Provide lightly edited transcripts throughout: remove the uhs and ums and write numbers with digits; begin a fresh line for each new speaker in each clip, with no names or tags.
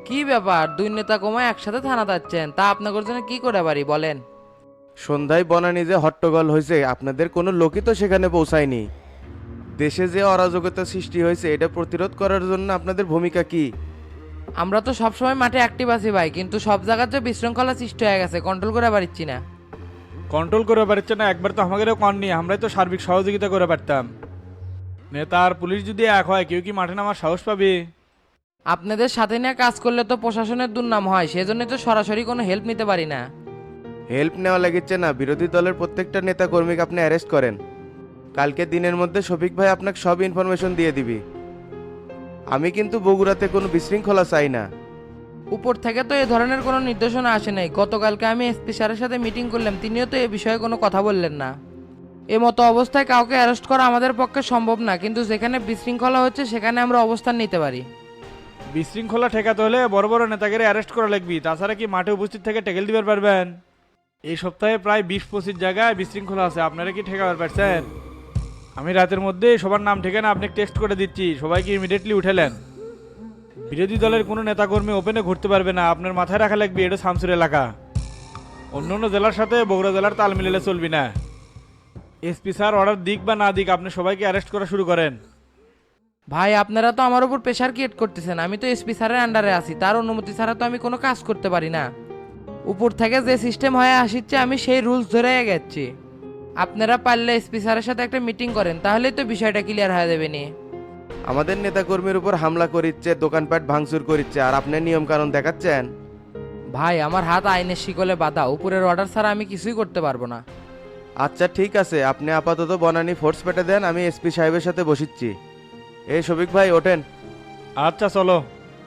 কি ব্যাপার, দুই নেতা কমায় একসাথে থানা যাচ্ছেন? তা আপনাদের জন্য কি করে পারি বলেন।
সন্ধ্যায় বনানী যে হট্টগোল হয়েছে আপনাদের কোনো লোকই তো সেখানে পৌঁছায়নি। দেশে যে অরাজকতা সৃষ্টি হয়েছে এটা প্রতিরোধ করার জন্য আপনাদের ভূমিকা কি?
আমরা তো সবসময় মাঠে অ্যাক্টিভ আছি ভাই, কিন্তু সব জায়গায় যে বিশৃঙ্খলা সৃষ্টি হয়ে গেছে, কন্ট্রোল করে পারছি না।
কন্ট্রোল করে পারছে না, একবার তো আমাদেরও কন নি, আমরাই তো সার্বিক সহযোগিতা করে পারতাম। নেতা আর পুলিশ যদি এক হয় কেউ কি মাঠে নামার সাহস পাবে?
আপনাদের সাথে নিয়ে কাজ করলে তো প্রশাসনের দুর্নাম হয়, সেজন্যই তো সরাসরি কোনো হেল্প নিতে পারি না।
হেল্প নেওয়া লাগিচ্ছে না, বিরোধী দলের প্রত্যেকটা নেতা কর্মীকে আপনি অ্যারেস্ট করেন। কালকে দিনের মধ্যে শফিক ভাই আপনাকে সব ইনফরমেশন দিয়ে দিবি। আমি কিন্তু বগুড়াতে কোনো বিশৃঙ্খলা চাই না।
উপর থেকে তো এই ধরনের কোনো নির্দেশনা আসে নাই। গতকালকে আমি এসপি স্যারের সাথে মিটিং করলাম, তিনিও তো এ বিষয়ে কোনো কথা বললেন না। এ মতো অবস্থায় কাউকে অ্যারেস্ট করা আমাদের পক্ষে সম্ভব না, কিন্তু যেখানে বিশৃঙ্খলা হচ্ছে সেখানে আমরা অবস্থান নিতে পারি।
বিশৃঙ্খলা ঠেকাতে হলে বড় বড় নেতাকে অ্যারেস্ট করা লাগবে, তাছাড়া কি মাঠে উপস্থিত থেকে টেকেল দিবার পারবেন? এই সপ্তাহে প্রায় 20-25 জায়গায় বিশৃঙ্খলা আছে, আপনারা কি ঠেকাবার পারছেন? আমি রাতের মধ্যে সবার নাম ঠিকানা আপনাকে টেক্সট করে দিচ্ছি, সবাইকে ইমিডিয়েটলি উঠেলেন। বিরোধী দলের কোনো নেতাকর্মী ওপেনে ঘুরতে পারবে না, আপনার মাথায় রাখা লাগবে এটা শামসুর এলাকা। অন্য অন্য জেলার সাথে বগুড়া জেলার তাল মিলালে চলবি না। এসপি স্যার অর্ডার দিক বা না দিক আপনি সবাইকে অ্যারেস্ট করা শুরু করেন।
ভাই, আপনারা তো আমার উপর প্রেশার ক্রিয়েট করতেছেন। আমি তো এসপি স্যারের আন্ডারে আছি, তার অনুমতি ছাড়া তো আমি কোনো কাজ করতে পারি না। উপর থেকে যে সিস্টেম হয়ে আসছে আমি সেই রুলস ধরে গেছি। আপনারা পারলে এসপি স্যারের সাথে একটা মিটিং করেন, তাহলেই তো বিষয়টা ক্লিয়ার হয়ে যাবে নি।
আমাদের নেতা কর্মীর উপর হামলা করিচ্ছে, দোকানপাট ভাঙচুর করিচ্ছে, আর আপনি নিয়ম কানুন দেখাচ্ছেন।
ভাই, আমার হাত আইনের শিকলে বাঁধা, উপরের অর্ডার ছাড়া আমি কিছুই করতে পারবো না।
আচ্ছা ঠিক আছে, আপনি আপাতত বনানী ফোর্স পেটে দেন, আমি এসপি সাহেবের সাথে বসিচ্ছি। এই শফিক ভাই ওঠেন।
আচ্ছা চলো।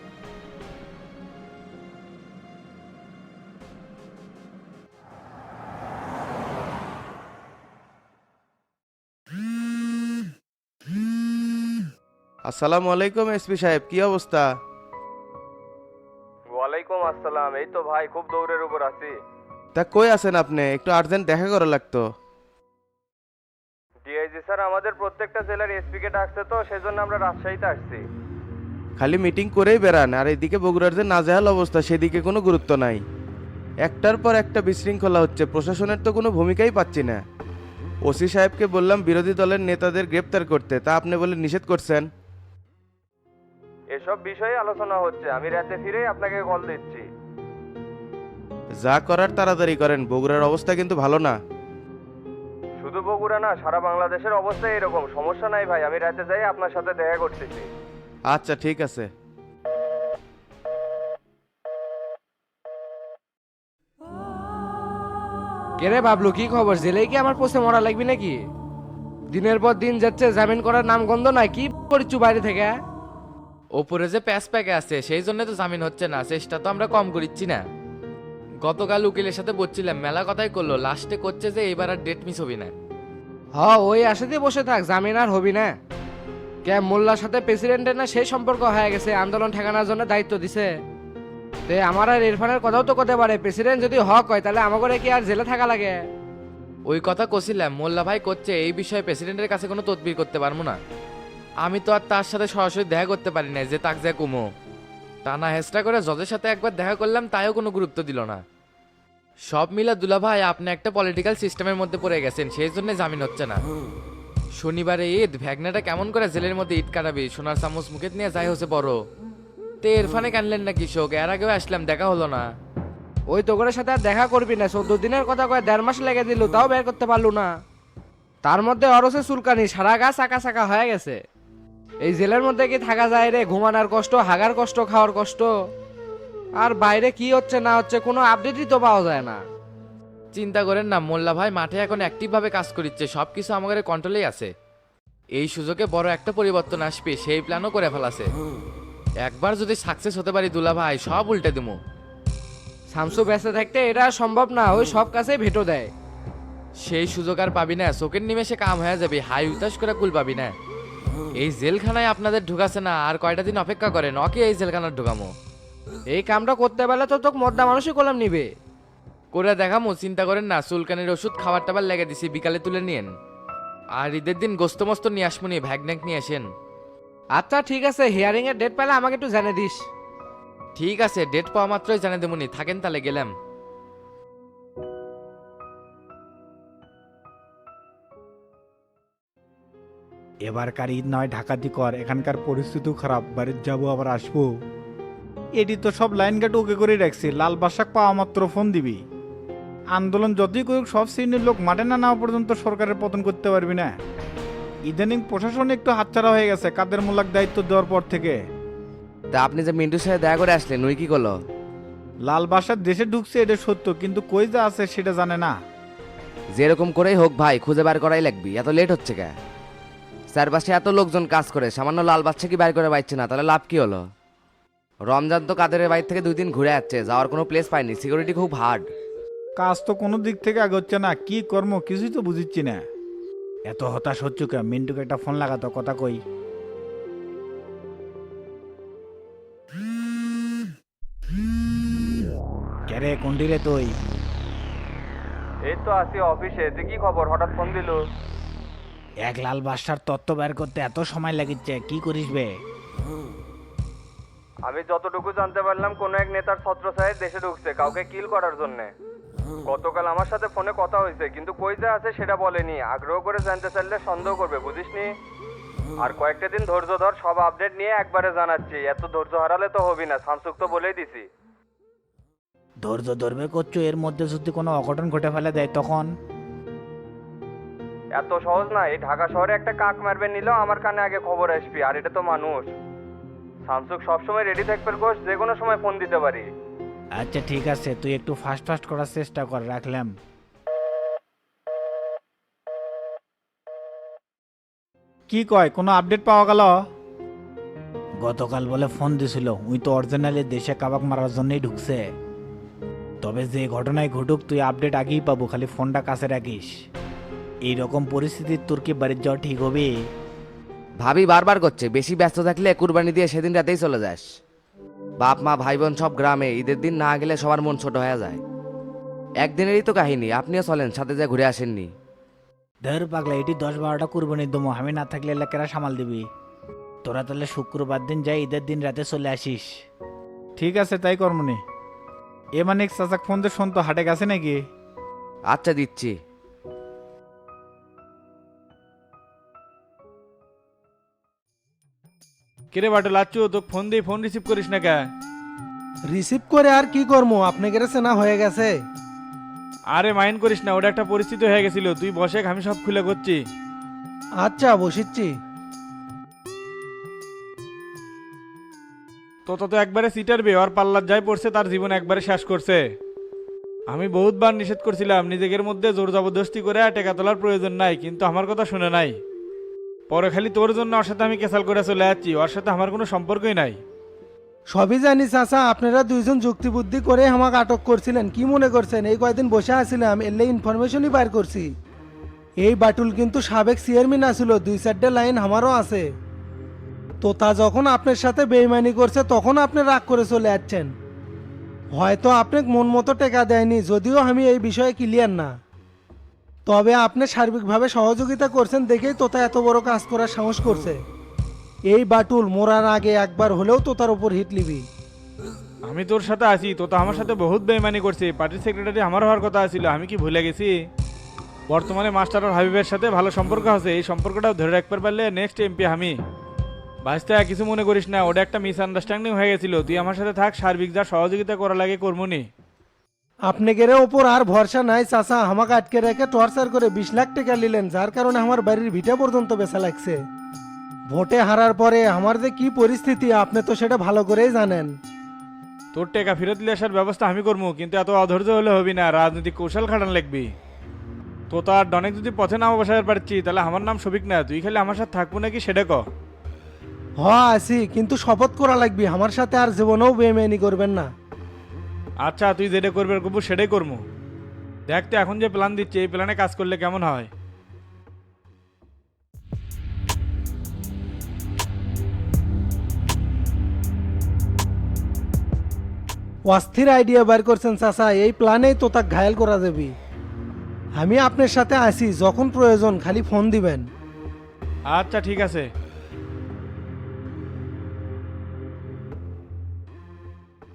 আসসালামু আলাইকুম এসপি সাহেব, কি অবস্থা?
ওয়ালাইকুম আসসালাম। এই তো ভাই খুব দৌড়ের উপর আছি।
তা কই আছেন আপনি? একটু আর্জেন্ট দেখা করা লাগতো।
ডিআইজি স্যার আমাদের প্রত্যেকটা জেলার এসপি কে ডাকছে, তো সেজন্য আমরা রাজশাহীতে আসছি।
খালি মিটিং করেই বেড়ান, আর এদিকে বগুড়ার যে নাজেহাল অবস্থা সেদিকে কোনো গুরুত্ব নাই। একটার পর একটা বিশৃঙ্খলা হচ্ছে, প্রশাসনের তো কোনো ভূমিকাই পাচ্ছি না। ওসি সাহেবকে বললাম বিরোধী দলের নেতাদের গ্রেপ্তার করতে, তা আপনি বলে নিষেধ করছেন।
এসব বিষয়ে আলোচনা হচ্ছে, আমি রাতে ফিরেই আপনাকে কল দিচ্ছি।
যা করার তাড়াতাড়ি করেন, বগুড়ার অবস্থা কিন্তু ভালো না।
শুধু বগুড়া না, সারা বাংলাদেশের অবস্থা এরকম। সমস্যা নাই ভাই, আমি রাতে যাই আপনার সাথে দেখা করতেছি।
আচ্ছা ঠিক আছে।
কেরে বাবলু, কি খবর? জেলে কি আমার পোষে মরা লাগবে নাকি? দিনের পর দিন যাচ্ছে, জামিন করার নাম গন্ধ নাই। কি করছু বাইরে থেকে?
ওপরে যে প্যাচ প্যাকে আছে সেই জন্য তো জামিন হচ্ছে না, চেষ্টা তো আমরা কম করিচ্ছি না। গতকাল উকিলের সাথে বলছিলাম, মেলা কথাই করলো, লাস্টে করছে যে এবার আর ডেট মিস হবি না।
ওই আশাতে বসে থাক, জামিন আর হবি না। কে মোল্লার সাথে প্রেসিডেন্টের না সেই সম্পর্ক হয়ে গেছে, আন্দোলন ঠেকানোর জন্য দায়িত্ব দিছে। তে আমার আর ইরফানের কথাও তো করতে পারে, প্রেসিডেন্ট যদি হক হয় তাহলে আমাকে কি আর জেলে থাকা লাগে?
ওই কথা কছিলাম, মোল্লা ভাই করছে এই বিষয়ে প্রেসিডেন্টের কাছে কোনো তদবির করতে পারবো না। আমি তো আর তার সাথে সরাসরি দেখা করতে পারি না যে তাক যা কুমো। টানা হেস্টা করে জজের সাথে একবার দেখা করলাম, তাইও কোনো গুরুত্ব দিল না। সব মিলে দুলা ভাই আপনি একটা পলিটিক্যাল সিস্টেমের মধ্যে পড়ে গেছেন, সেই জন্য জামিন হচ্ছে না। শনিবারে ঈদ, ভ্যাগনাটা কেমন করে জেলের মধ্যে ঈদ কাটাবি? সোনার চামচ মুখে নিয়ে যাই হচ্ছে বড়। তে ইরফানে কানলেন না কৃষক, এর আগেও আসলাম, দেখা হলো না।
ওই তোগরের সাথে আর দেখা করবি না, 14 দিনের কথা কয়ে 1.5 মাস লেগে দিল, তাও বের করতে পারলু না। তার মধ্যে অরসে চুলকানি, সারা গা চাকা চাকা হয়ে গেছে। এই জেলের মধ্যে কি থাকা যায় রে? ঘুমানোর কষ্ট, হাগার কষ্ট, খাওয়ার কষ্ট। আর বাইরে কি হচ্ছে না হচ্ছে কোনো আপডেটই তো পাওয়া যায় না।
চিন্তা করেন না, মোল্লা ভাই মাঠে এখন অ্যাক্টিভ ভাবে কাজ করছে, সবকিছু আমাদের কন্ট্রোলেই আছে। এই সুযোগে বড় একটা পরিবর্তন আসবে, সেই প্ল্যানও করে ফেলাছে। একবার যদি সাকসেস হতে পারি দুলা ভাই, সব উল্টে দিমু।
শামসু বেঁচে থাকতে এটা সম্ভব না, ওই সব কাছেই ভেটো দেয়।
সেই সুযোগ আর পাবি না, চোখের নিমেষে কাম হয়ে যাবে, হাই উতাস করে কুল পাবি না। এই জেলখানায় আপনাদের ঢুকাছে না, আর কয়টা দিন অপেক্ষা করেন, ওকে এই জেলখানার ঢুকামো।
এই কামটা করতে পারলে তো তোকে মদ্দা মানুষই কলম নিবে।
করে দেখামো, চিন্তা করেন না। চুলকানির ওষুধ খাবার টাবার লেগে দিছি, বিকালে তুলে নিয়েন। আর ঈদের দিন গোস্ত মস্ত নিয়ে আসমুনি, ভ্যাগন্যাক নিয়ে আসেন।
আচ্ছা ঠিক আছে, হিয়ারিং এর ডেট পেলে আমাকে একটু জানিয়ে দিস।
ঠিক আছে, ডেট পাওয়া মাত্রই জানিয়ে দেবনি, থাকেন তাহলে গেলাম।
এবারকার ঈদ নয় ঢাকাতি কর, এখানকার পরিস্থিতিও খারাপ, বাড়ির যাবো আবার আসবো। এটি তো সব লাইন গাট ওকে করে রাখছি, লাল বাসাক পাওয়া মাত্র ফোন দিবি। আন্দোলন যতই করুক সব শ্রেণীর লোক মাঠে না নামা পর্যন্ত সরকারের পতন করতে পারবি না। ইদানিং প্রশাসন একটু হাতছাড়া হয়ে গেছে কাদের মোল্লাক দায়িত্ব দেওয়ার পর থেকে।
তা আপনি যে মিন্টুর সাথে দেখা করে আসলেন ওই কি করলো?
লাল বাসার দেশে ঢুকছে এটা সত্য, কিন্তু কই যা আছে সেটা জানে না।
যেরকম করেই হোক ভাই খুঁজে বার করাই লাগবি, এত লেট হচ্ছে কে? চারপাশে এত লোকজন কাজ করে, সামান্য লাল বাচ্চা কি বাইর করে পাইছে না, তাহলে লাভ কি হলো? রমজান তো কাদের বাইর থেকে 2 দিন ঘুরে যাচ্ছে, যাওয়ার কোনো প্লেস পাইনি, সিকিউরিটি খুব হার্ড।
কাজ তো কোনো দিক থেকে আগাচ্ছে না, কি কর্ম কিছুই তো বুঝিচ্ছি না। এত হতাশ হচ্ছ কে? মিন্টুকে একটা ফোন লাগাতো, কথা কই। কেরে কোনটি রে তুই?
এই তো আছি অফিসে, যে কি খবর হঠাৎ ফোন দিল?
এক লাল বাসার তত্ত্ব বের করতে এত সময় লাগিচ্ছে, কি করিস বে?
আমি যতটুকু জানতে পারলাম কোন এক নেতার ছত্রছায়ায় দেশে ঢুকছে কাউকে কিল করার জন্য। গতকাল আমার সাথে ফোনে কথা হয়েছে, কিন্তু কই যা আছে সেটা বলেনি। আগ্রহ করে জানতে চাইলে সন্দেহ করবে, বুঝিসনি? আর কয়েকটা দিন ধৈর্য ধর, সব আপডেট নিয়ে একবারে জানাচ্ছি। এত ধৈর্য হারালে তো হবি না, শামসুক তো বলেই দিছি।
ধৈর্য ধরবে করছো, এর মধ্যে যদি কোনো অঘটন ঘটে ফেলে দেয় তখন?
এত সহজ না, এই ঢাকা শহরে একটা কাক মারবে নিলেও আমার কানে আগে খবর আসবি। আর এটা তো মানুষ। শামসুক সবসময় রেডি থাকবে কোচ, যে কোনো সময় ফোন দিতে পারি।
আচ্ছা ঠিক আছে, তুই একটু ফাস্ট ফাস্ট করার চেষ্টা কর, রাখলাম। কি কয়, কোনো আপডেট পাওয়া গেল? গতকাল বলে ফোন দিছিল, উই তো অরিজিনালি দেশে কাবাক মারার জন্যই ঢুকছে। তবে যে ঘটনায় ঘটুক তুই আপডেট আগেই পাবো, খালি ফোনটা কাছে রাখিস। এইরকম পরিস্থিতির তোর কি বাড়ির যাওয়া ঠিক হবে?
ভাবি বারবার করছে বেশি ব্যস্ত থাকলে কুরবানি দিয়ে সেদিন রাতেই চলে যাস। বাপ মা ভাই বোন সব গ্রামে, ঈদের দিন না গেলে সবার মন ছোট হয়ে যায়। একদিনেরই তো কাহিনী, আপনিও চলেন, সাথে যা ঘুরে আসেননি।
ধর পাগলা, এটি 10-12টা কুরবানির দমো, আমি না থাকলে এলাকারা সামাল দিবি। তোরা তাহলে শুক্রবার দিন যাই, ঈদের দিন রাতে চলে আসিস। ঠিক আছে তাই কর্মনি। এ মানিক চাচাক ফোন দিয়ে শুনতো হাটে গেছে নাকি?
আচ্ছা দিচ্ছি।
কিরে বাটু লাচ্চু, তো ফোন দিয়ে ফোন রিসিভ করিস না কে?
রিসিভ করে আর কি করবো, আপনাদের চেনা হয়ে গেছে।
আরে মাইন্ড করিস না, ওটা একটা পরিস্থিতি হয়ে গেছিল। তুই বসে, আমি সব খুলে করছি।
আচ্ছা বসিচ্ছি।
তো একবারে সিটারবে, আর পাল্লার যাই পড়ছে, তার জীবন একবারে শেষ করছে। আমি বহুতবার নিষেধ করছিলাম নিজেদের মধ্যে জোর জবরদস্তি করে টাকা তোলার প্রয়োজন নাই, কিন্তু আমার কথা শুনে নাই। পরে খালি তোর জন্য ওর সাথে আমি ক্যাসাল করে চলে যাচ্ছি, ওর সাথে আমার কোনো সম্পর্কই নাই।
সবই জানি চাচা, আপনারা দুইজন যুক্তি বুদ্ধি করে আমাকে আটক করছিলেন। কি মনে করছেন এই কয়দিন বসে আছিলাম এলে ইনফরমেশনই বাইর করছি? এই বাটুল কিন্তু সাবেক চেয়ারম্যান আসছিল, 2-4টে লাইন আমারও আছে। তো তা যখন আপনার সাথে বেইমানি করছে তখন আপনি রাগ করে চলে যাচ্ছেন। হয়তো আপনাকে মন মতো টেকা দেয়নি, যদিও আমি এই বিষয়ে ক্লিয়ার না। তবে আপনি সার্বিকভাবে সহযোগিতা করছেন দেখেই তোতা এত বড় কাজ করার সাহস করছে। এই বাটুল মোরার আগে একবার হলেও তোতার উপর হিট লিবি।
আমি তোর সাথে আছি, তো আমার সাথে বহুত বেইমানি করছে। পার্টির সেক্রেটারি আমার হওয়ার কথা ছিল, আমি কি ভুলে গেছি? বর্তমানে মাস্টার আর হাবিবের সাথে ভালো সম্পর্ক আছে, এই সম্পর্কটাও ধরে রাখতে পারলে নেক্সট এমপি আমি। বাঁচতে কিছু মনে করিস না, ওটা একটা মিসআন্ডারস্ট্যান্ডিং হয়ে গেছিল। তুই আমার সাথে থাক, সার্বিক যা সহযোগিতা করা লাগে করমুনি।
আপনাদের ওপর আর ভরসা নাই চাচা, আমাকে আটকে রেখে টর্চার করে 20 লাখ টাকা নিলেন, যার কারণে আমার বাড়ির ভিটা পর্যন্ত বেচা লাগছে। ভোটে হারার পরে আমার যে কি পরিস্থিতি আপনি তো সেটা ভালো করেই জানেন।
তোর টাকা ফেরত দিলে আসার ব্যবস্থা আমি করবো, কিন্তু এত অধৈর্য হলে হবি না, রাজনৈতিক কৌশল খাটান লাগবি। তো তার ডনেক যদি পথে নামা বসাতে পারছি, তাহলে আমার নাম সবিক না। তুই খালি আমার সাথে থাকবো নাকি সেটা ক।
হ আছি, কিন্তু শপথ করা লাগবে আমার সাথে আর জীবনেও বেইমানি করবেন না।
আচ্ছা, তুই যেটা করবে করবো সেটাই করবো। দেখতে এখন যে প্ল্যান দিচ্ছে, এই প্ল্যানে কাজ করলে কেমন হয়?
অস্থির আইডিয়া বের করছেন চাচা, এই প্ল্যানেই তো তাক ঘায়াল করা যাবে। আমি আপনার সাথে আছি, যখন প্রয়োজন খালি ফোন দিবেন।
আচ্ছা ঠিক আছে।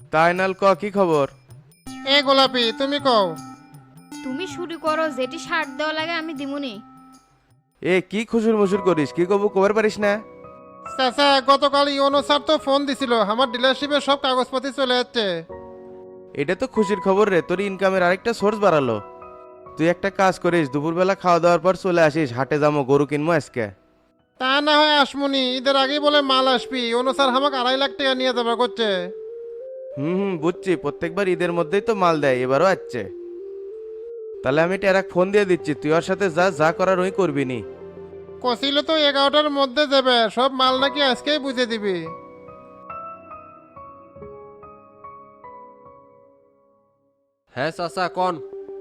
তাই নাল ক কি খবর?
এ গোলাপি তুমি কও।
তুমি শুরু করো, যেটি সার দেওয়া লাগে আমি দিমুনি।
এ কি খুশুর মুসুর করিস, কি কবু কবার পারিস না?
চাচা গতকাল ইওনো স্যার তো ফোন দিছিল, আমার ডিলারশিপের সব কাগজপাতি চলে যাচ্ছে।
এটা তো খুশির খবর রে, তোর ইনকামের আরেকটা সোর্স বাড়ালো। তুই একটা কাজ করিস, দুপুরবেলা খাওয়া দাওয়ার পর চলে আসিস, হাটে যাবো, গরু কিনবো আজকে।
তা না হয় আসমুনি, ঈদের আগেই বলে মাল আসবি। ইওনো স্যার আমাকে 2.5 লাখ টাকা নিয়ে যাবে করছে।
বুঝছি, প্রত্যেকবার ঈদের মধ্যেই তো মাল দেয়, এবারও আসছে। তাহলে আমি টেরাক ফোন দিয়ে দিচ্ছি, তুই ওর সাথে যা যা করার ওই করবি নি।
কছিল তো 11টার মধ্যে যাবে, সব মাল নাকি আজকেই বুঝে দিবি।
হ্যাঁ চাচা কোন।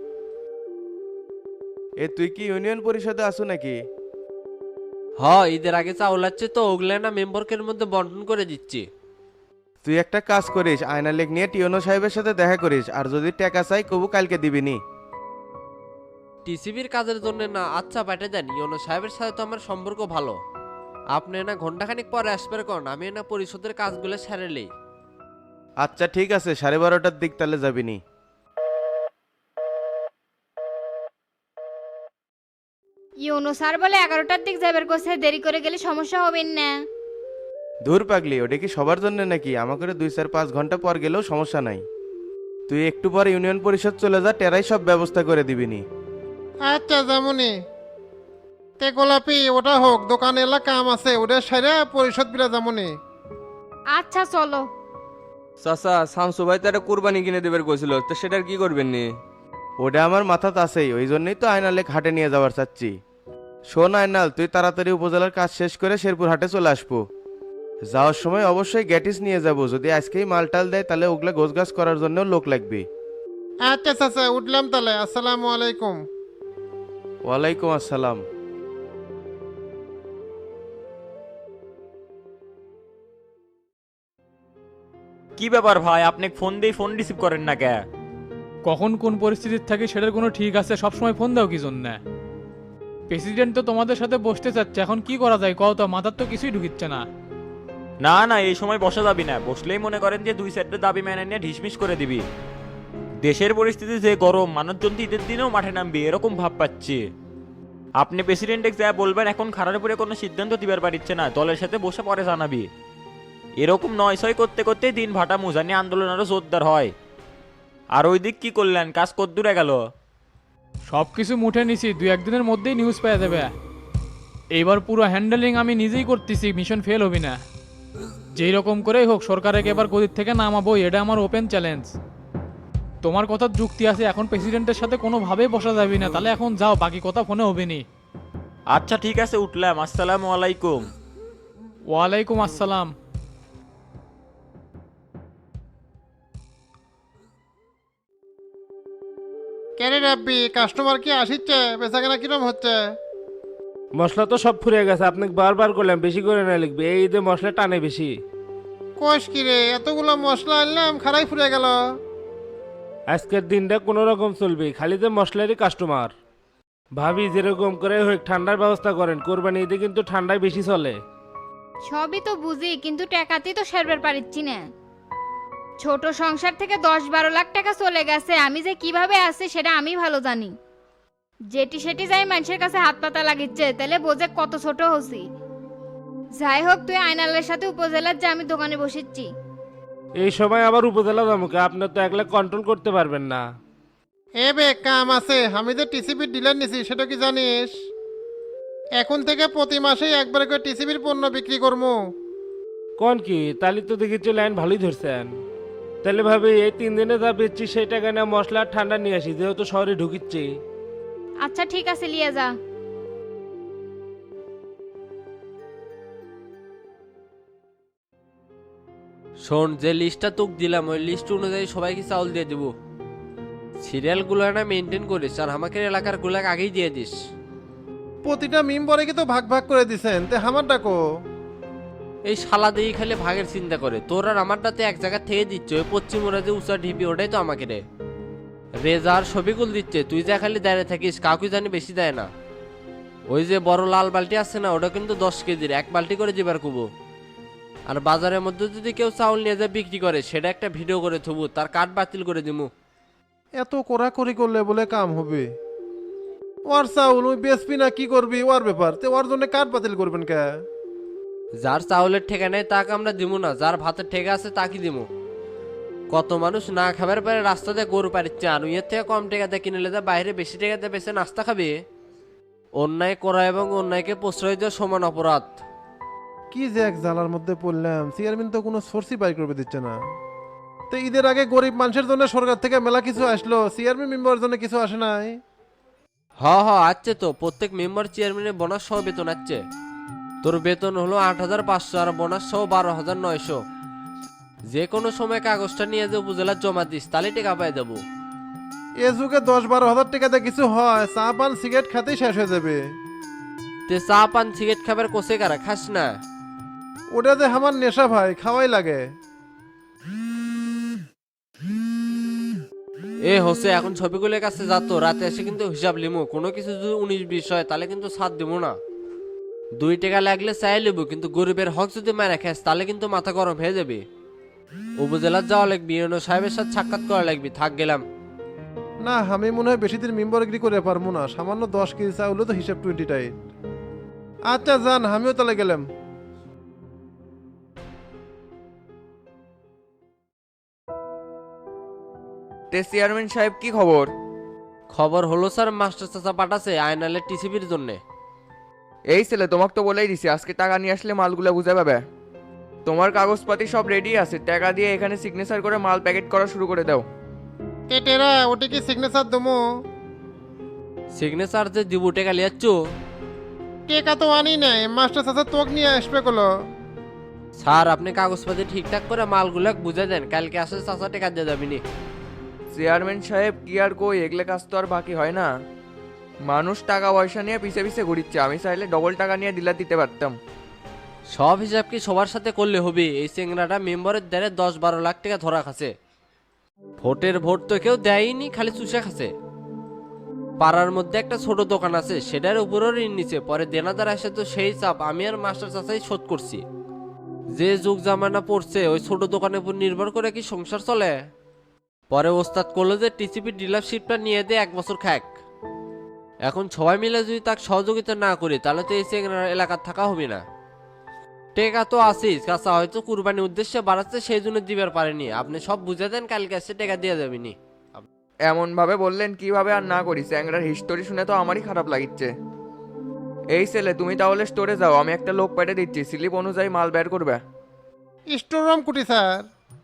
এ তুই কি ইউনিয়ন পরিষদে আসু নাকি?
হ, ঈদের আগে চাউল আছে তো, ওগুলা না মেম্বারকের মধ্যে বন্টন করে দিচ্ছি।
তুই একটা কাজ করিস, আয়না লেখ নিয়ে টিওনো সাহেবের সাথে দেখা করিস, আর যদি টাকা চাই কবু কালকে দিবিনি।
টিসিবির কাজের জন্য না, আচ্ছা পাঠিয়ে দেন। ইওনো সাহেবের সাথে তো আমার সম্পর্ক ভালো। আপনি না ঘন্টাখানিক পরে আসবে কোন, আমি না পরিষদের কাজগুলো সারেলেই।
আচ্ছা ঠিক আছে, 12:30টার দিক তাহলে যাবিনি।
ইউনো স্যার বলে 11টার দিক যাবার কোসে, দেরি করে গেলে সমস্যা হবে না।
দূর পাগলি, ওটা কি সবার জন্য নাকি? আমাকে 2-4-5 ঘন্টা পর গেলেও সমস্যা নাই। তুই একটু পর ইউনিয়ন পরিষদ চলে যা, টেরাই সব ব্যবস্থা করে দিবিনি।
আচ্ছা যেমনই। তে গোলাপি ওটা হোক, দোকানে এলা কাম আছে, ওটা সাইরা পরিষদ বিলা যেমনই।
আচ্ছা চলো।
চাচা শামসু ভাই তারা কুরবানি কিনে দেবার কইছিল, তো সেটার কি করবেন নি?
ওটা আমার মাথাতে আছেই, ওই জন্যই তো আয়না লেখ হাটে নিয়ে যাওয়ার চাচ্ছি। শোন আয়নাল, তুই তাড়াতাড়ি উপজেলার কাজ শেষ করে শেরপুর হাটে চলে আসবো। যাওয়ার সময় অবশ্যই গ্যাটিস নিয়ে যাব, যদি আজকেই মালটাল দেয় তাহলে ওগুলা গোছগাছ করার জন্য লোক লাগবে।
আচ্ছা চাচা উঠলাম তাহলে, আসসালামু আলাইকুম।
ওয়ালাইকুম আসসালাম।
কি ব্যাপার ভাই, আপনি ফোন দিয়ে ফোন রিসিভ করেন না কে?
কখন কোন পরিস্থিতির থাকে সেটার কোনো ঠিক আছে? সবসময় ফোন দাও কি জন্য? প্রেসিডেন্ট তো তোমাদের সাথে বসতে চাচ্ছে, এখন কি করা যায় কও তো? মাথার তো কিছুই ঢুকিচ্ছে না।
না না, এই সময় বসা যাবি না, বসলেই মনে করেন যে 2 সেটের দাবি মেনে নিয়ে ঢিসমিস করে দিবি। দেশের পরিস্থিতি যে গরম, মানুষজন তো ঈদের দিনেও মাঠে নামবি এরকম ভাব পাচ্ছি। আপনি প্রেসিডেন্টে যা বলবেন, এখন খারাপ উপরে কোনো সিদ্ধান্ত দিবার পারিচ্ছে না, দলের সাথে বসে পরে জানাবি। এরকম নয় ছয় করতে করতে দিন ভাটা মুজানি আন্দোলন আরো জোরদার হয়। আর ওই দিক কি করলেন, কাজ কদ্দূরে গেল?
সব কিছু মুঠে নিছি, 2-1 দিনের মধ্যেই নিউজ পেয়ে যাবে। এইবার পুরো হ্যান্ডেলিং আমি নিজেই করতেছি, মিশন ফেল হবি না। যেই রকম করেই হোক সরকারকে এবার গদির থেকে নামাবো, এটা আমার ওপেন চ্যালেঞ্জ। তোমার কথার যুক্তি আছে, এখন প্রেসিডেন্টের সাথে কোনোভাবেই বসা যাবে না, তাহলে এখন যাও, বাকি কথা ফোনে হবে নি।
আচ্ছা ঠিক আছে, উঠলাম। আসসালামু আলাইকুম।
ওয়ালাইকুম আসসালাম।
কেরে রাব্বি, কাস্টমার কি আসিচ্ছে? বেচাকেনা কিরম হচ্ছে?
মশলা তো সব ফুরিয়ে গেছে, আপনি বারবার করলাম বেশি করে না লিখবে, এই ঈদে মশলা টানে বেশি।
কোষ কি রে, এতগুলো মশলা আনলাম খারাই ফুরে গেল।
আজকের দিনটা কোনো রকম চলবে, খালি যে মশলারই কাস্টমার। ভাবি যেরকম করে হোক ঠান্ডার ব্যবস্থা করেন, কোরবানি ঈদে কিন্তু ঠান্ডায় বেশি চলে।
সবই তো বুঝি, কিন্তু টাকাতেই তো সারবার পারিচ্ছি না। ছোট সংসার থেকে 10-12 লাখ টাকা চলে গেছে, আমি যে কিভাবে আছি সেটা আমি ভালো জানি। যেটি সেটি যাই মানুষের কাছে হাত পাতা লাগিচ্ছে, তাহলে বোঝে কত ছোট হচ্ছি। যাই হোক, তুই আয়নালের সাথে উপজেলার যে আমি দোকানে বসেছি।
এই সময় আবার উপজেলা দামকে আপনার তো একলা কন্ট্রোল করতে পারবেন না।
এ বে কাম আছে, আমি যে টিসিবির ডিলার নিছি সেটা কি জানিস? এখন থেকে প্রতি মাসেই একবার করে টিসিবির পণ্য বিক্রি করবো।
কোন কি, তাহলে তো দেখেছি লাইন ভালোই ধরছেন। তাহলে ভাবি এই 3 দিনে যা বেচছি সেই টাকা নিয়ে মশলা আর ঠান্ডা নিয়ে আসি, যেহেতু শহরে ঢুকিচ্ছি।
আচ্ছা ঠিক আছে, লিয়ে যা।
শোন, যে লিস্টটা তোকে দিলাম ওই লিস্ট অনুযায়ী সবাইকে চাউল দিয়ে দিব। সিরিয়ালগুলো না মেনটেন করিস, আর আমাকে এলাকার গুলাক আগেই দিয়ে দিস।
প্রতিটা মেম্বরে কি তো ভাগ ভাগ করে দিছেন, তে আমার ডাকো।
এই শালা দিয়ে খালি ভাগের চিন্তা করে, তোর আর আমারটাতে এক জায়গা থেকে দিচ্ছে। ওই পশ্চিম ওরা যে উঁচা ঢিপি, ওটাই তো আমাকে রে। রেজার ছবিগুল দিচ্ছে, তুই যা খালি দাঁড়িয়ে থাকিস, কাউকে জানি বেশি দেয় না। ওই যে বড় লাল বালতি আছে না, ওটা কিন্তু 10 কেজির, 1 বালতি করে দিবার কুবো। আর বাজারের মধ্যে যদি কেউ চাউল নিয়ে যায় বিক্রি করে সেটা একটা ভিডিও করে থুবু, তার কার্ড বাতিল করে দিমু।
এত কড়াকড়ি করলে বলে কাম হবে? ওর চাউল ওই বেসপি না কি করবি ওর ব্যাপার, তো ওর জন্য কার্ড বাতিল করবেন কে?
যার চাউলের ঠেকা নেই তাকে আমরা দিমু না, যার ভাতের ঠেকা আছে তাকে দিমু। কত মানুষ না খাবার পরে রাস্তাতে গরু পারিচ্ছে, আর এর থেকে কম টেকাতে কিনে নিলে বাইরে বেশি টেকাতে বেশি নাস্তা খাবে। অন্যায় করা এবং অন্যায়কে প্রশ্রয় দেওয়া সমান অপরাধ।
কি যে এক জ্বালার মধ্যে পড়লাম, চেয়ারম্যান তো কোনো সোর্সই বাই করবে দিচ্ছে না। তো ঈদের আগে গরিব মানুষের জন্য সরকার থেকে মেলা কিছু আসলো, চেয়ারম্যান মেম্বারের জন্য কিছু আসে নাই।
আছে তো, প্রত্যেক মেম্বার চেয়ারম্যানের বোনাস সহ বেতন আছে। তোর বেতন হলো 8,500 আর বোনাস সহ 12,900। যে কোনো সময় কাগজটা নিয়ে যে উপজেলা জমা দিস তাহলে টাকা পাই যাবো।
এ যুগে 10-12 হাজার টাকাতে কিছু হয়? চা পান সিগারেট খাতেই শেষ হয়ে যাবে।
তে চা পান সিগারেট খাবার কোসে কারা খাস না?
ওটা যে আমার নেশা ভাই, খাওয়াই লাগে।
হোসে এখন ছবিগুলোর কাছে যাতো, রাতে এসে কিন্তু হিসাব লিমু। কোনো কিছু যদি 19-20 হয় তাহলে কিন্তু সাথ দিব না। 2 টাকা লাগলে চাই লিবু, কিন্তু গরিবের হক যদি মারা খাস তাহলে কিন্তু মাথা গরম হয়ে যাবে। উপজেলার যাওয়া লাগবে, ইউনো সাহেবের সাথে সাক্ষাৎ করা লাগবে। থাক গেলাম।
না, আমি মনে হয় বেশি দিন মেম্বারগিরি করে পারবো না। সামান্য 10 কেজি চা হলো তো হিসাব 20 টাইট। আচ্ছা যান, আমিও তাহলে গেলাম।
তে চেয়ারম্যান সাহেব কি খবর?
খবর হলো স্যার, মাস্টার চাচা পাঠাছে আয়নালের টিসিবির জন্য।
এই ছেলে তোমাকে তো বলেই দিছি আজকে টাকা নিয়ে আসলে মালগুলো বুঝে পাবে। তোমার কাগজপাতি সব রেডি আছে, টাকা দিয়ে এখানে সিগনেচার করে মাল প্যাকেট করা শুরু করে দাও।
টেরা ওটি কি সিগনেচার দমো?
সিগনেচার যে দিব টাকা লিয়াচ্ছ?
টেকা তো আনি নাই, মাস্টার চাচা তোক নিয়ে আসবে কলো।
স্যার আপনি কাগজপাতি ঠিকঠাক করে মালগুলো বুঝে দেন, কালকে আসে চাচা টাকা দিয়ে যাবিনি।
চেয়ারম্যান সাহেব কি আর কই, এগুলো কাজ তো আর বাকি হয় না। মানুষ টাকা পয়সা নিয়ে পিছে পিছে ঘুরিচ্ছে, আমি চাইলে ডবল টাকা নিয়ে ডিলার দিতে পারতাম।
সব হিসাব কি সবার সাথে করলে হবে? এই চেংরাটা মেম্বারের দ্বারে 10-12 লাখ টাকা ধরা খাচ্ছে। ভোটের ভোট তো কেউ দেয়নি, খালি চুষে খাচ্ছে। পাড়ার মধ্যে একটা ছোট দোকান আছে, সেটার উপরও ঋণ নিচ্ছে। পরে দেনাদার আসে তো সেই চাপ আমি আর মাস্টার চাচাই শোধ করছি। যে যুগ জামানা পড়ছে, ওই ছোট দোকানের উপর নির্ভর করে কি সংসার চলে? পরে ওস্তাদ করলো যে টিসিপি ডিলারশিপটা নিয়ে দিয়ে 1 বছর খাক। এখন সবাই মিলে যদি তাকে সহযোগিতা না করি তাহলে তো এই চেংরার এলাকার থাকা হবে না। টেকা তো আসিস কাঁচা, হয়তো কুরবানির উদ্দেশ্যে বাড়াচ্ছে সেই জন্য দিবার পারেনি। আপনি সব বুঝে দেন, কালকে এসে টেকা দিয়ে যাবিনি।
এমন ভাবে বললেন কিভাবে আর না করি? চ্যাংরার হিস্টোরি শুনে তো আমারই খারাপ লাগিচ্ছে। এই ছেলে তুমি তাহলে স্টোরে যাও, আমি একটা লোক পেটে দিচ্ছি, স্লিপ অনুযায়ী মাল বের করবে।
স্টোর রুম কুটি স্যার?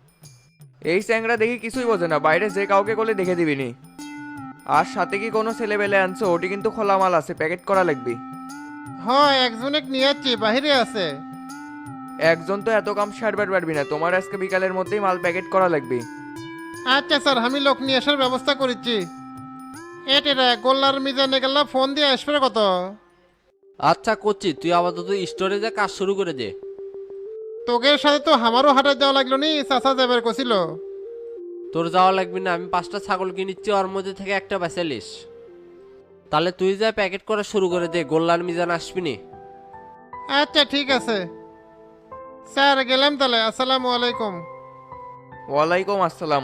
এই চ্যাংরা দেখি কিছুই বোঝে না, বাইরে যে কাউকে করলে দেখে দিবিনি। আর সাথে কি কোনো ছেলে বেলে আনছো? ওটি কিন্তু খোলা মাল আছে, প্যাকেট করা লাগবে।
হ্যাঁ, একজনে নিয়ে যাচ্ছি, বাহিরে আছে।
একজন তো এত কাম সারবার পারবি না, তোমার আজকে বিকালের মধ্যেই মাল প্যাকেট করা লাগবে।
আচ্ছা স্যার, আমি লোক নিয়ে আসার ব্যবস্থা করেছি। টেরা গোল্লার মিজানে গেলা ফোন দিয়ে আসবে কত?
আচ্ছা করছি, তুই আপাতত স্টোরে যা কাজ শুরু করে দে।
তোগের সাথে তো আমারও হাটে যাওয়া লাগলো নি, চাচা যাবার কছিল।
তোর যাওয়া লাগবে না, আমি 5টা ছাগল কিনিচ্ছি, ওর মধ্যে থেকে একটা বেচালিস। তাহলে তুই যা প্যাকেট করা শুরু করে দে, গোল্লার মিজান আসবি নি।
আচ্ছা ঠিক আছে স্যার, গেলাম তাহলে। আসসালামু আলাইকুম।
ওয়ালাইকুম আসসালাম।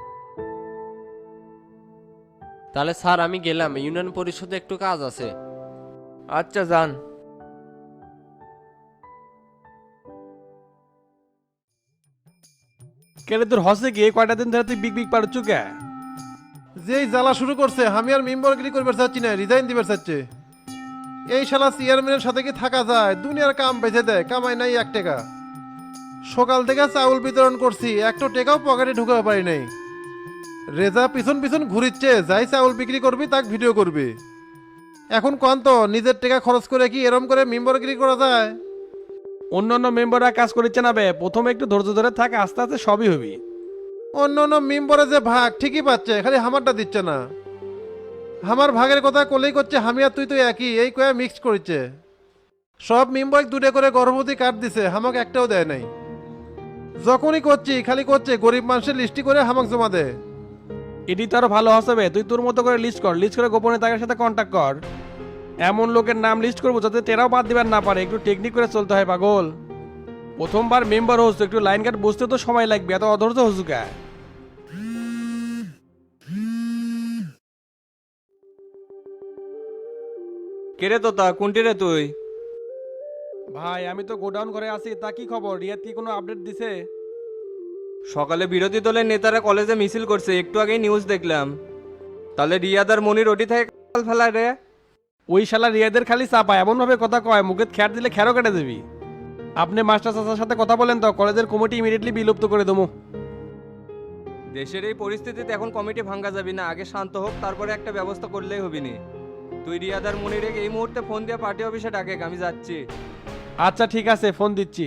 তাহলে স্যার আমি গেলাম, ইউনিয়ন পরিষদে একটু কাজ আছে।
আচ্ছা যান।
কেন তোর হসে গিয়ে কয়টা দিন ধরে তুই বিগ বিগ পারছ কে?
যেই জ্বালা শুরু করছে, আমি আর মেম্বারগিরি করবার চাচ্ছি না, রিজাইন দিবার চাচ্ছে। এই শালা চেয়ারম্যানের সাথে কি থাকা যায়? দুনিয়ার কাম বেঁচে দেয়, কামাই নাই 1 টাকা। সকাল থেকে চাউল বিতরণ করছি, একটা টাকাও পকেটে ঢুকাতে পারি নাই। রেজা পিছন পিছন ঘুরিচ্ছে, যাই চাউল বিক্রি করবি তাক ভিডিও করবি। এখন কোন তো নিজের টাকা খরচ করে কি এরম করে মেম্বারগিরি করা যায়?
অন্য অন্য মেম্বাররা কাজ করিচ্ছে না বে, প্রথমে একটু ধৈর্য ধরে থাক, আস্তে আস্তে সবই হবি।
অন্য অন্য মেম্বারে যে ভাগ ঠিকই পাচ্ছে, খালি আমারটা দিচ্ছে না। আমার ভাগের কথা কলেই করছে আমি আর তুই তো একই, এই কয়ে মিক্স করছে। সব মেম্বার 2টা করে গর্ভবতী কার্ড দিছে, আমাকে একটাও দেয় নাই। যখনই করছি খালি করছে গরিব মানুষের লিস্টি করে আমাকে জমা দে।
এটি তো আরো ভালো হবে, তুই তোর মতো করে লিস্ট কর, লিস্ট করে গোপনে তাদের সাথে কন্ট্যাক্ট কর। এমন লোকের নাম লিস্ট করবো যাতে টেরাও বাদ দিবার না পারে, একটু টেকনিক করে চলতে হয় পাগল।
প্রথমবার মেম্বার হচ্ছে একটু লাইন কাট বুঝতে তো সময় লাগবে, এত অধৈর্য হসুকা।
কেরে তোতা কোনটি রে তুই?
ভাই আমি তো গোডাউন করে আছি, তা কি খবর? রিয়াদ কি কোনো আপডেট দিছে?
সকালে বিরোধী দলের নেতারা কলেজে মিছিল করছে, একটু আগেই নিউজ দেখলাম। তাহলে রিয়াদ আর মনির ওটি থেকে কাল ফেলায় রে?
ওই শালা রিয়াদের খালি চাপা, এমন ভাবে কথা কয় মুখে খ্যার দিলে খ্যারও কেটে দিবি। আপনি মাস্টার চাচার সাথে কথা বলেন তো, কলেজের কমিটি ইমিডিয়েটলি বিলুপ্ত করে দেবো।
দেশের এই পরিস্থিতিতে এখন কমিটি ভাঙ্গা যাবি না, আগে শান্ত হোক, তারপরে একটা ব্যবস্থা করলেই হবিনি। তুই রিয়াদ আর মনির এই মুহূর্তে ফোন দিয়ে পার্টি অফিসে ডাকে, আমি যাচ্ছি।
আচ্ছা ঠিক আছে, ফোন দিচ্ছি।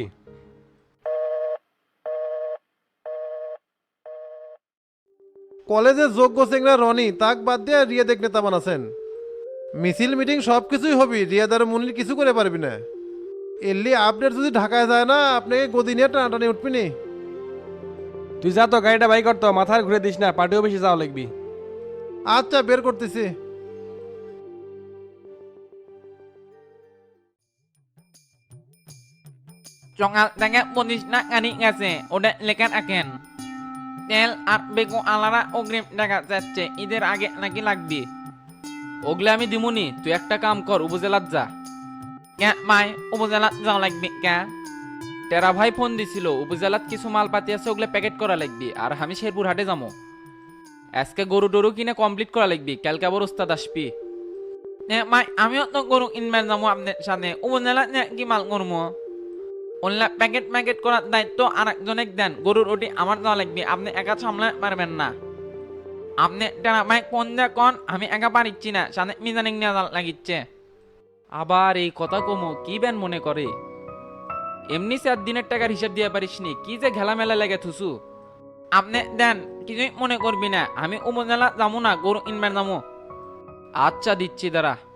কলেজের যোগ্য চেংরা রনি তাক বাদ দিয়ে রিয়াদ নেতা বানাছেন। মিছিল মিটিং সব কিছুই হবি, রিয়াদ আর মুনির কিছু করে পারবি না। এলি আপডেট যদি ঢাকায় যায় না, আপনাকে গদি নিয়ে টানাটানি উঠবি নি।
তুই যা তো, গাড়িটা বাই করতো, মাথার ঘুরে দিস না, পার্টি অফিসে যাওয়া লাগবি।
আচ্ছা বের করতেছি।
সকাল থেকে পুলিশ না গাড়ি গেছে, ওদের লেখার আঁকেন তেল আর বেগু আলারা অগ্রিম দেখা যাচ্ছে, ঈদের আগে নাকি লাগবে। ওগুলো আমি দিমুনি, তুই একটা কাম কর, উপজেলাত যা। কে মাই উপজেলাত যাওয়া লাগবে কে? টেরা ভাই ফোন দিছিল, উপজেলাত কিছু মাল পাতি আছে, ওগুলো প্যাকেট করা লাগবে। আর আমি শেরপুর হাটে যাবো, আজকে গরু টরু কিনে কমপ্লিট করা লাগবে, কালকে আবার ওস্তাদ আসবি। মাই আমিও তো গরু কিনবার যাবো আপনার সাথে, উপজেলাত কি মাল করবো? অনলাইন প্যাকেট ম্যাকেট করার দায়িত্ব আর একজনের দেন, গরুর ওটি আমার দেওয়া লাগবে, আপনি একা সামলাতে পারবেন না। আপনি টেরা ভাই কোন যা কন, আমি একা পারিচ্ছি না, সাথে মিজানিং নেওয়া লাগিচ্ছে। আবার এই কথা কমো কি বেন মনে করে? এমনি 4 দিনের টাকার হিসাব দিয়ে পারিস নি, কি যে ঘেলামেলা লেগে থুসু। আপনি দেন, কিছুই মনে করবি না, আমি উপজেলা যাবো না, গরু ইনবার যাবো। আচ্ছা দিচ্ছি দাঁড়া।